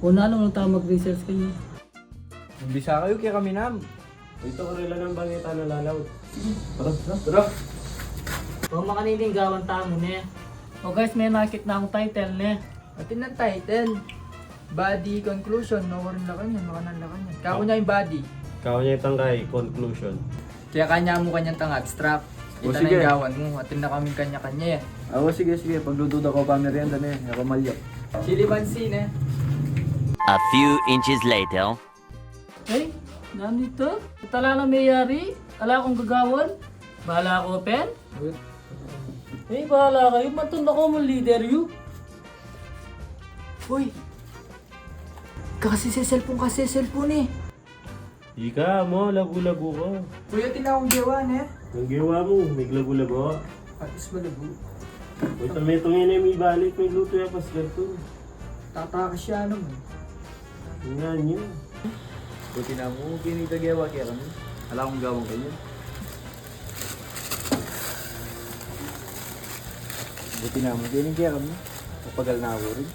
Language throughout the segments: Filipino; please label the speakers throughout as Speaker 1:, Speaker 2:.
Speaker 1: Una ano nung tama mag-research kayo.
Speaker 2: Umbisa kayo kaya kami nam.
Speaker 3: Ito ko rin lang ng bangita na lalaw.
Speaker 2: Tara.
Speaker 1: O makaniling gawan tamo ne. O guys, may nakit na akong title ne.
Speaker 2: Atin ang title. Body conclusion. No rin la kanya. Makanan la kanya. Kako niya yung body.
Speaker 3: Kao niya itang kay conclusion.
Speaker 2: Kaya kanya mo kanyang tang abstract.
Speaker 3: O,
Speaker 2: Ito na
Speaker 3: sige.
Speaker 2: yung gawan mo. Atin na kami kanya-kanya eh.
Speaker 4: Sige. Paglutuda ko pa merienda na eh. Ako malyo.
Speaker 2: Chili pansin eh.
Speaker 5: A few inches later.
Speaker 1: Ay, ganito. Tala na mayari. Ala akong gagawan. Bahala ako, pen. Eh, bahala kayo. Matunda ko mo leader you.
Speaker 2: Uy! Kasi cellphone eh.
Speaker 3: Ika mo, lagu-lagu ko.
Speaker 2: Kuya, tinawang gawan eh.
Speaker 3: Ang gawa mo, may lagu-lagu.
Speaker 2: Atis malago.
Speaker 3: Uy, tamay itong ina may balik, may luto ya pas ganito.
Speaker 2: Tatakas siya naman.
Speaker 3: Nga niyo.
Speaker 4: Buti na mo, kinitagawa kaya kami. Alam kong gawang kayo. Buti na mo, kinigaya kami. Kapagal na ako rin.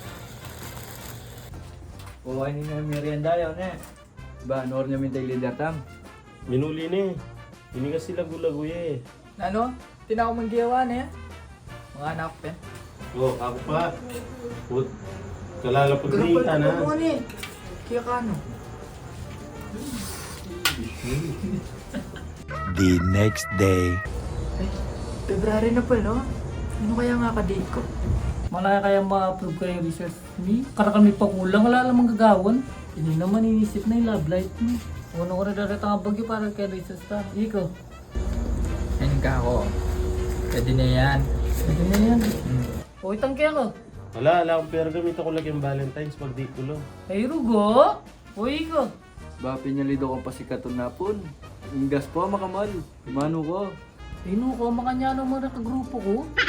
Speaker 2: Kuha ni na merienda yun eh.
Speaker 4: Ba, nor niya mintay leader tam.
Speaker 3: Minuli ni. Hindi kasi lagu-lagu eh.
Speaker 2: Ano? Tinawang mang gawan eh. Mga anak eh.
Speaker 3: Oh, ako pa. Put. Kalalapag ni
Speaker 2: Kapal
Speaker 3: Ita
Speaker 2: ka
Speaker 3: na.
Speaker 2: mo eh. Kaya ka ano?
Speaker 5: The next day.
Speaker 2: Ay, February na pala. Ano kaya nga ka-date ko?
Speaker 1: Malaki kaya ma-approve kayo yung research ni. Kara kami pa kulang, wala namang gagawan. Hindi naman inisip na yung love life mo. Una ko na darat ang bagyo para kay research ta. Iko.
Speaker 2: Ayun ka ako. Pwede na yan.
Speaker 1: Pwede na yan. O itang kaya ko.
Speaker 3: Wala akong pera. Gamit ako lang yung Valentine's pag di ko lang.
Speaker 1: Ay rugo. O iko.
Speaker 4: Ba, pinyalido ko pa si Katon na pun. Ingas po, makamal. Mano ko.
Speaker 1: Ino ko, makanya naman nakagrupo ko.